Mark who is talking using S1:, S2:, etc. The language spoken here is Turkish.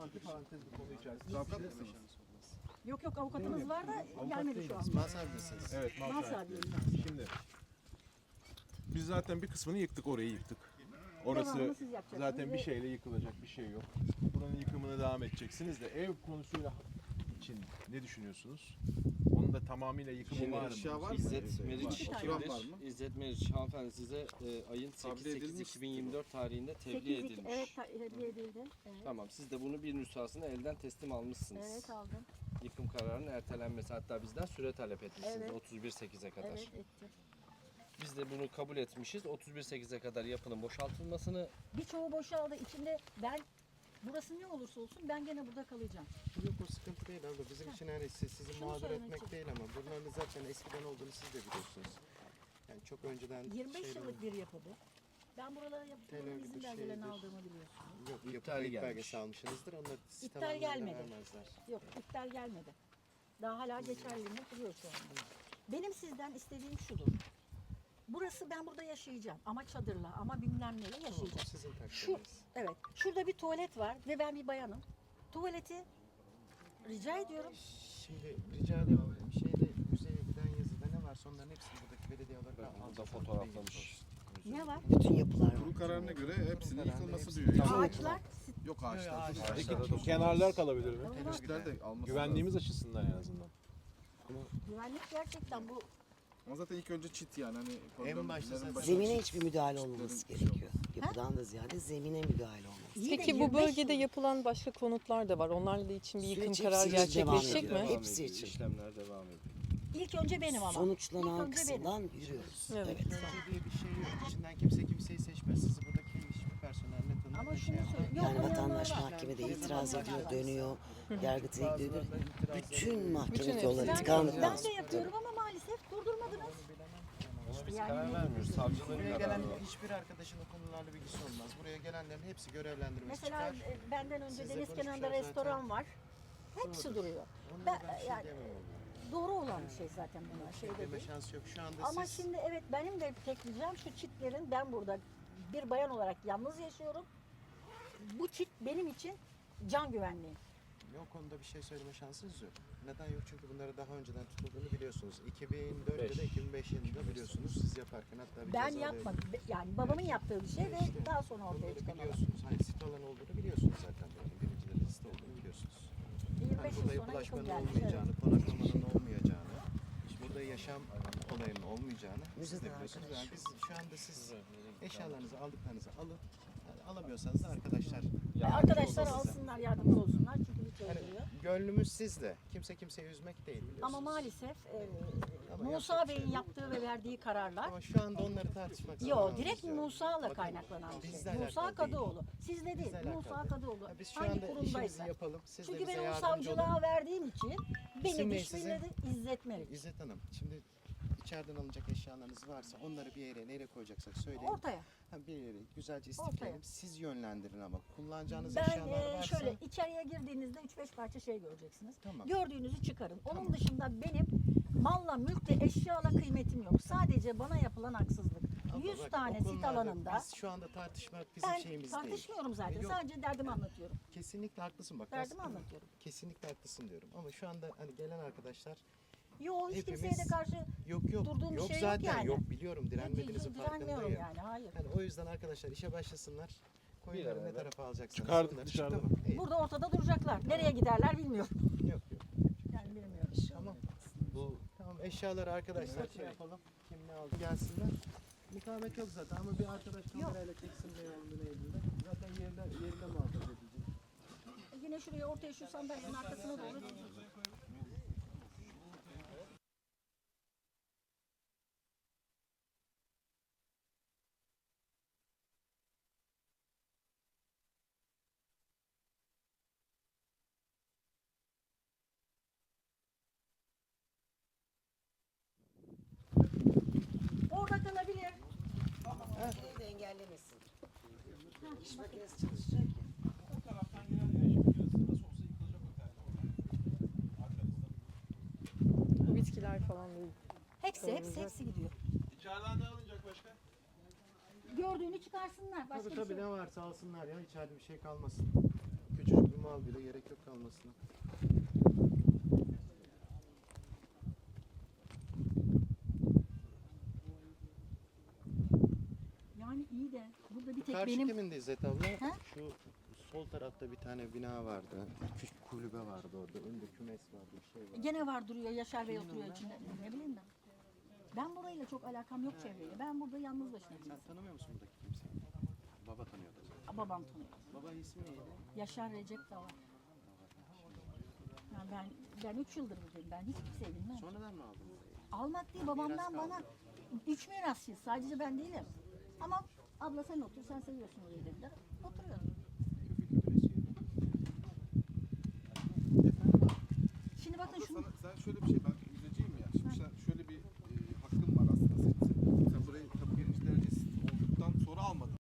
S1: antiparantez bir konu içerisinde. Avukat mısınız?
S2: Yok avukatımız var da gelmedi şu an.
S3: Mahsabidesiniz.
S1: Evet, mal
S2: Mal
S1: sahibi.
S2: sahibiyim.
S1: Şimdi biz zaten bir kısmını yıktık, orayı yıktık. Orası
S2: Devamını siz yapacaksınız
S1: zaten bir
S2: ve-
S1: şeyle yıkılacak bir şey yok. Buranın yıkımına devam edeceksiniz de ev konusuyla için ne düşünüyorsunuz? Onun da tamamıyla yıkımı var mı?
S3: Aşağı var mı?
S4: İzzet Meriç
S2: İki tane.
S3: Oturan var mı?
S4: İzzet Meriç hanımefendi size ayın
S3: Tablo edilmiş.
S4: 8-8-2024 tarihinde tebliğ
S2: 8
S4: edilmiş.
S2: evet tebliğ edildi. Evet.
S4: Tamam, siz de bunu bir nüshasını elden teslim almışsınız.
S2: Evet aldım.
S4: Yıkım kararının ertelenmesi, hatta bizden süre talep etmişsiniz
S2: Evet.
S4: 31-8'e kadar.
S2: Evet etti.
S4: Biz de bunu kabul etmişiz. 31-8'e kadar yapının boşaltılmasını.
S2: Birçoğu boşaldı. İçinde ben burası ne olursa olsun ben gene burada kalacağım.
S3: Yok o sıkıntı değil abla. Bizim için hani sizi
S2: Şunu
S3: mağdur
S2: söylemek
S3: etmek
S2: için.
S3: değil ama bunların zaten eskiden olduğunu siz de biliyorsunuz. Yani çok önceden
S2: 25
S3: şeyler-
S2: yıllık bir yapıdı. Ben buralara yaptığım
S3: Terör
S2: izin
S3: gibi
S2: belgelerini
S3: şeydir.
S2: aldığımı biliyorsunuz.
S3: Yok yapı
S4: İptali
S3: kayıt
S4: gelmiş.
S3: belgesi almışsınızdır. Onlar sizi
S2: İptal
S3: tamamen
S2: gelmedi.
S3: vermezler.
S2: Yok iptal gelmedi. Daha hala geçerliliğinde duruyor şu anda. Benim sizden istediğim şudur. Burası ben burada yaşayacağım ama çadırla ama bilmem neyle
S3: Tamam, o
S2: yaşayacağım.
S3: sizin
S2: Şu
S3: takdiriniz.
S2: evet şurada bir tuvalet var ve ben bir bayanım. Tuvaleti rica ediyorum.
S3: Şimdi rica ederim şeyde müzeye giden yazıda ne varsa onların hepsini buradaki belediye olarak
S4: Burada
S3: alacağız.
S4: fotoğraflamış.
S2: Ne var?
S5: Bütün yapılar var.
S6: Kurul kararına göre hepsinin
S3: Kararında
S6: yıkılması
S3: hepsi-
S6: diyor. Yani.
S2: Ağaçlar
S6: Yok ağaçlar.
S3: Yok,
S6: Ağaçlar.
S1: Kenarlar kalabilir mi?
S6: Teneşler de alması
S1: Güvenliğimiz
S6: lazım.
S1: açısından en azından.
S2: güvenlik gerçekten bu
S6: Ama zaten ilk önce çit yani hani
S3: En başta
S6: problemlerin
S3: zaten-
S6: başında
S5: Zemine
S6: çit.
S5: hiçbir müdahale olmaması
S6: Çitlerin-
S5: gerekiyor. Yapıdan da ziyade zemine müdahale olması.
S2: iyi de
S7: Peki bu
S2: 25
S7: bölgede
S2: yıl-
S7: yapılan başka konutlar da var. Onlarla da için bir yıkım
S5: Süreç
S7: kararı
S5: hepsi için devam
S7: gerçekleşecek
S5: ediyor.
S7: mi?
S5: Hepsi
S4: ediyor,
S5: için.
S4: İşlemler devam ediyor.
S2: İlk önce benim ama.
S5: Sonuçlanan
S2: İlk önce
S5: kısımdan yürüyoruz.
S7: Evet.
S5: Evet.
S3: Önce diye bir şey yok. İçinden kimse kimseyi seçmez. Sizi buradaki hiçbir personel ne tanır
S2: Ama
S3: ne
S2: şunu
S3: şey yapar.
S2: söyleyeyim.
S5: Yani
S2: Yok,
S5: vatandaş
S2: onlar var.
S5: mahkemede
S2: Çok
S5: itiraz
S2: insanlar
S5: ediyor,
S2: var.
S5: dönüyor, yargıtaya gidiyor. Bütün mahkeme
S7: Bütün
S5: yolları
S7: hepsi.
S5: tıkandı.
S2: Ben de yapıyorum ama maalesef durdurmadınız.
S4: Ama biz
S2: Yani
S4: karar
S2: ne-
S4: vermiyoruz. Savcıların
S3: Buraya gelen
S4: kararı.
S3: hiçbir arkadaşın o konularla bilgisi olmaz. Buraya gelenlerin hepsi görevlendirmesi
S2: Mesela
S3: çıkar.
S2: benden önce
S3: Sizle
S2: deniz kenarında
S3: konuşmuşlar
S2: restoran
S3: zaten.
S2: var. Hepsi duruyor.
S3: Onlara
S2: Ben,
S3: ben bir şey
S2: yani
S3: diyemem ama.
S2: doğru olan bir şey zaten bunlar. Şey
S3: Deme
S2: değil.
S3: şansı yok. Şu anda
S2: Ama
S3: siz
S2: şimdi evet benim de tek ricam şu çitlerin ben burada bir bayan olarak yalnız yaşıyorum. Bu çit benim için can güvenliği.
S3: o konuda bir şey söyleme şansınız yok. Neden yok? Çünkü bunları daha önceden tutulduğunu biliyorsunuz. 2004 ya da 2005 yılında biliyorsunuz siz yaparken hatta bir
S2: Ben
S3: ceza
S2: yapmadım. Yani babamın yaptığı bir şey ve
S3: İşte
S2: daha sonra ortaya
S3: bunları
S2: çıkan olay.
S3: biliyorsunuz. Hani sit alan olduğunu biliyorsunuz zaten. Birincileri liste olduğunu biliyorsunuz.
S2: 25
S3: Hani burada
S2: yıl sonra yıkım
S3: yapılaşmanın
S2: gelmiş.
S3: olmayacağını, konaklamanın olmayacağını, burada yaşam olayının olmayacağını siz de
S5: Müzede
S3: biliyorsunuz. Yani
S5: arkadaş.
S3: biz şu anda siz eşyalarınızı aldıklarınızı alın. Yani alamıyorsanız da arkadaşlar.
S2: Arkadaşlar
S3: olsun size.
S2: alsınlar, yardımcı olsunlar çünkü bir şey
S3: Hani
S2: oluyor.
S3: gönlümüz sizde. Kimse kimseyi üzmek değil biliyorsunuz.
S2: Ama maalesef
S3: Ama
S2: Musa
S3: yapacak bir şey
S2: Bey'in
S3: yok.
S2: yaptığı ve verdiği kararlar
S3: Ama şu anda onları tartışmak
S2: Yo,
S3: zamanımız
S2: direkt
S3: yok.
S2: Musa'la
S3: Bakın,
S2: kaynaklanan bir
S3: bizle
S2: şey. Musa
S3: alakalı değil.
S2: Kadıoğlu. Sizle değil,
S3: Bizle alakalı
S2: Musa
S3: değil.
S2: Kadıoğlu.
S3: Ya biz şu
S2: Hangi
S3: anda işimizi
S2: kurumdaysa.
S3: yapalım. Siz de
S2: Çünkü
S3: bize
S2: ben o
S3: yardımcı olun.
S2: savcılığa verdiğim için
S3: İsim
S2: beni
S3: ne
S2: dişbiledi İzzet Meriç.
S3: İzzet Hanım, şimdi içeriden alınacak eşyalarınız varsa onları bir yere nereye koyacaksak söyleyin.
S2: Ortaya.
S3: Ha, bir yere güzelce
S2: Ortaya.
S3: istifleyelim. Siz yönlendirin ama kullanacağınız
S2: Ben
S3: eşyalar varsa
S2: şöyle içeriye girdiğinizde 3-5 parça şey göreceksiniz.
S3: Tamam.
S2: Gördüğünüzü çıkarın. Onun
S3: Tamam.
S2: dışında benim malla, mülkle, eşyala kıymetim yok. Sadece bana yapılan haksızlık.
S3: Abla
S2: 100
S3: bak,
S2: tane
S3: o
S2: sit
S3: konularda
S2: alanında
S3: biz şu anda tartışmak bizim
S2: ben
S3: şeyimiz değil.
S2: tartışmıyorum zaten.
S3: Yok.
S2: Sadece derdimi anlatıyorum.
S3: Kesinlikle haklısın bak.
S2: Derdimi
S3: aslında
S2: anlatıyorum.
S3: Kesinlikle haklısın diyorum. Ama şu anda hani gelen arkadaşlar
S2: Yo hiç
S3: Hepimiz-
S2: kimseye de karşı
S3: yok
S2: Durduğum bir
S3: yok
S2: şey yok
S3: zaten
S2: yani.
S3: yok biliyorum direnmediğinizin
S2: direnmiyorum
S3: farkındayım.
S2: yani. Hayır.
S3: Hani o yüzden arkadaşlar işe başlasınlar. Koyunları ne
S4: beraber.
S3: tarafa alacaksınız?
S1: Çıkardık
S3: onları
S1: dışarıda.
S3: Tamam. iyi.
S2: Burada ortada duracaklar. Nereye giderler bilmiyorum.
S3: Yok yok.
S2: Yani bilmiyorum.
S3: Tamam.
S4: Bu
S3: Tamam eşyaları arkadaşlar şey yapalım. Kim ne aldı gelsinler. Mukavemet yok zaten ama bir arkadaş kamerayla çeksin ne olduğunu elinde. Zaten yerinde muhafaza edilecek.
S2: Yine şuraya ortaya şu sandalyenin arkasına doğru. Orada kalabilir.
S5: Şeyi de engellemesin. İş makinesi çalışacak ya.
S7: Bu bitkiler falan değil.
S2: Hepsi gidiyor.
S1: İçeriden ne alınacak başka?
S2: Gördüğünü çıkarsınlar. Başka
S3: Tabii
S2: bir
S3: tabii
S2: şey
S3: ne
S2: yok.
S3: varsa alsınlar ya içeride bir şey kalmasın. Küçücük bir mal bile gerek yok kalmasına.
S2: Yani iyi de burada bir tek
S3: Karşı
S2: benim
S3: kimin de İzzet abla?
S2: He?
S3: Şu sol tarafta bir tane bina vardı. Küçük kulübe vardı orada. Önde kümes vardı, bir şey vardı.
S2: gene var duruyor. Yaşar Bey oturuyor içinde. Ne bileyim ben. Ben burayla çok alakam yok çevreyle. Ben burada yalnız başına
S3: Sen
S2: biriyim.
S3: tanımıyor musun buradaki kimseyi? Baba tanıyordu o zaman.
S2: Babam tanıyor.
S3: Baba ismi neydi?
S2: Yaşar Recep de var. Yani ben 3 yıldır buradayım. Ben hiç kimseyi bilmem.
S3: Sonradan mı aldın burayı?
S2: Almak değil babamdan bana 3 mirasçıyız. Sadece ben değilim. Ama abla sen otur, sen seviyorsun orayı dediler. Oturuyorum.
S3: Köpek esiyor.
S2: Şimdi bakın
S6: Abla
S2: şunu
S6: sen şöyle bir şey ben